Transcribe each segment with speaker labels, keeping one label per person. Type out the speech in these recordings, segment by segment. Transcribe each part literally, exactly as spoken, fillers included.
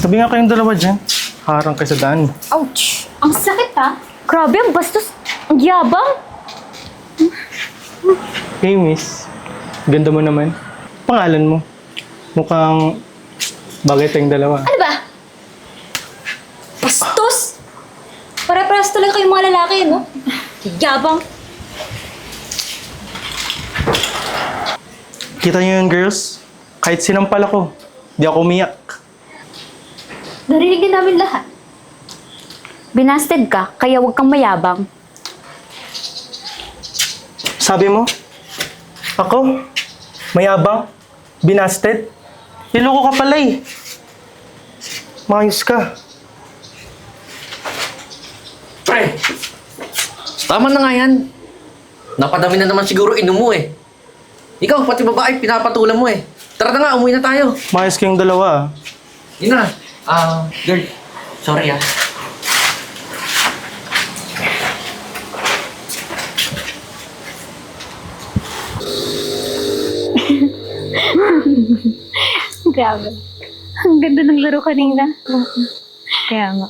Speaker 1: Sabi nga kayong dalawa dyan. Harang kayo sa daan.
Speaker 2: Ouch! Ang sakit ha? Grabe, ang bastos. Ang yabang.
Speaker 1: Hey, miss. Ganda mo naman. Pangalan mo. Mukhang bagay tayong dalawa.
Speaker 2: Ano ba? Bastos! Pare-paras talaga kayong mga lalaki, no? Yabang.
Speaker 1: Kita niyo yun, girls? Kahit sinampal ako, di ako umiyak.
Speaker 2: Narinig din namin lahat. Binasted ka, kaya huwag kang mayabang.
Speaker 1: Sabi mo? Ako? Mayabang? Binasted? Niloko ka pala eh. Mayos ka.
Speaker 3: Pre! Tama na nga yan. Napadami na naman siguro inom mo eh. Ikaw, pati babae, pinapatulan mo eh. Tara na nga, umuwi na tayo.
Speaker 1: Mayos kayong dalawa ah.
Speaker 3: Yun na. Ah, girl. Sorry ah.
Speaker 2: Grabe. Ang ganda ng laro kanina. Kaya nga.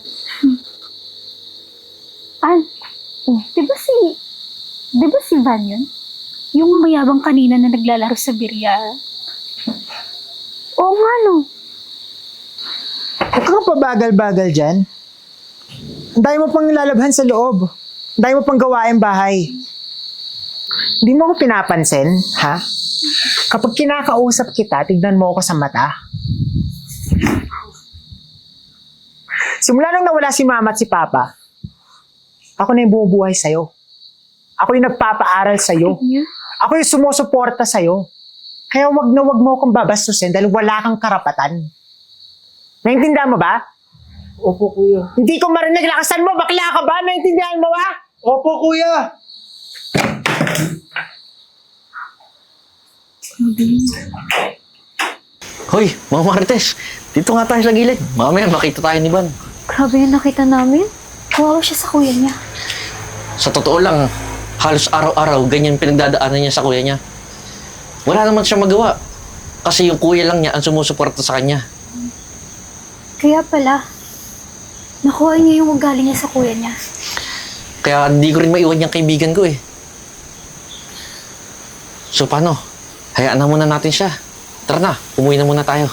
Speaker 2: Ah, di ba si... Di ba si Van yun? Yung mayabang kanina na naglalaro sa birya. Oo nga, no.
Speaker 4: Huwag kang pabagal-bagal dyan. Ang dami mo pang lalabhan sa loob. Ang dami mo pang gawain bahay. Hindi mo ako pinapansin, ha? Kapag kinakausap kita, tignan mo ako sa mata. Simula nung nawala si mama at si papa, ako na yung bumubuhay sa'yo. Ako yung nagpapaaral sa'yo. Ako yung sumusuporta sa'yo. Kaya wag na wag mo akong babastusin dahil wala kang karapatan. Naintindihan mo ba?
Speaker 1: Opo, kuya.
Speaker 4: Hindi ko marinig. Lakasan mo. Bakla ka ba? Naintindihan mo ba?
Speaker 1: Opo, kuya.
Speaker 3: Hoy, mga Marites. Dito nga tayo sa gilid. Mamaya makita tayo ni Van.
Speaker 2: Grabe yung nakita namin. Kawawa siya sa kuya niya.
Speaker 3: Sa totoo lang, halos araw-araw ganyan pinagdadaanan niya sa kuya niya. Wala naman siya magawa. Kasi yung kuya lang niya ang sumusuporta sa kanya.
Speaker 2: Kaya pala, nakuha niya yung ugali niya sa kuya niya.
Speaker 3: Kaya hindi ko rin maiwan yung kaibigan ko eh. So paano? Hayaan na muna natin siya. Tara na, umuwi na muna tayo.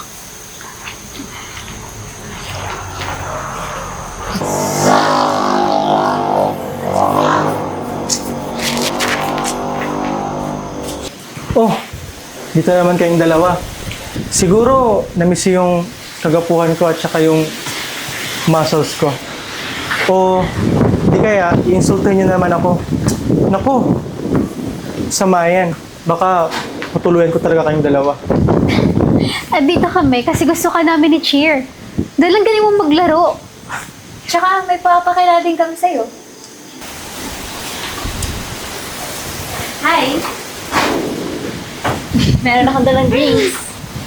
Speaker 1: Oh, dito naman kayong dalawa. Siguro, namiss yung kagapuhan ko at saka yung muscles ko. O, di kaya, i-insultin niyo naman ako. Naku, sama yan. Baka matuluyan ko talaga kayong dalawa.
Speaker 2: At dito kami kasi gusto ka namin ni Cheer. Dahil lang galing mo maglaro. Tsaka may papakilala din kami sa'yo. Hi! Meron akong dalang drinks.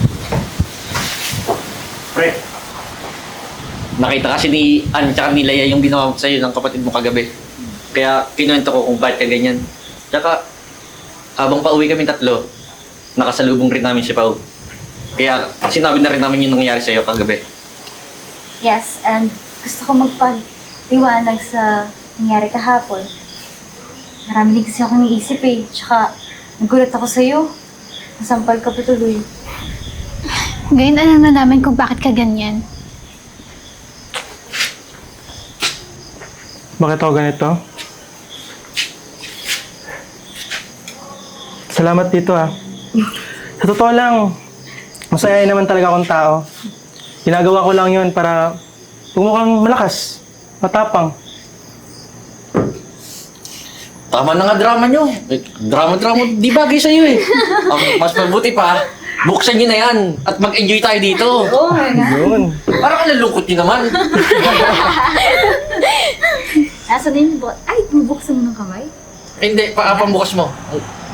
Speaker 3: Pre, nakita kasi ni Ann tsaka ni Leia yung ginawa ko sa'yo ng kapatid mo kagabi. Kaya kinuwento ko kung bakit ka ganyan. Tsaka, habang pauwi kami tatlo, nakasalubong rin namin si Pao. Kaya sinabi na rin namin yung nangyari sa'yo kagabi.
Speaker 2: Yes, and gusto ko magpaliwanag sa nangyari kahapon. Marami din kasi akong iisip eh. Tsaka, nagulat ako sa'yo. Nasampal ka pa tuloy. Ngayon alam na namin kung bakit ka ganyan.
Speaker 1: Bakit ako ganito? Salamat dito ah. Sa totoo lang, masaya naman talaga akong tao. Ginagawa ko lang yun para pumukhang malakas, matapang.
Speaker 3: Tama na nga drama nyo. Eh, drama-drama, di bagay sa'yo eh. Ang mas mabuti pa, buksan nyo na yan at mag-enjoy tayo dito.
Speaker 2: Oh my God.
Speaker 1: Yun.
Speaker 3: Parang nalulungkot nyo naman.
Speaker 2: Nasa na yung bot? Ay, bubuksan mo ng kamay?
Speaker 3: Eh, hindi, pa pambukas mo.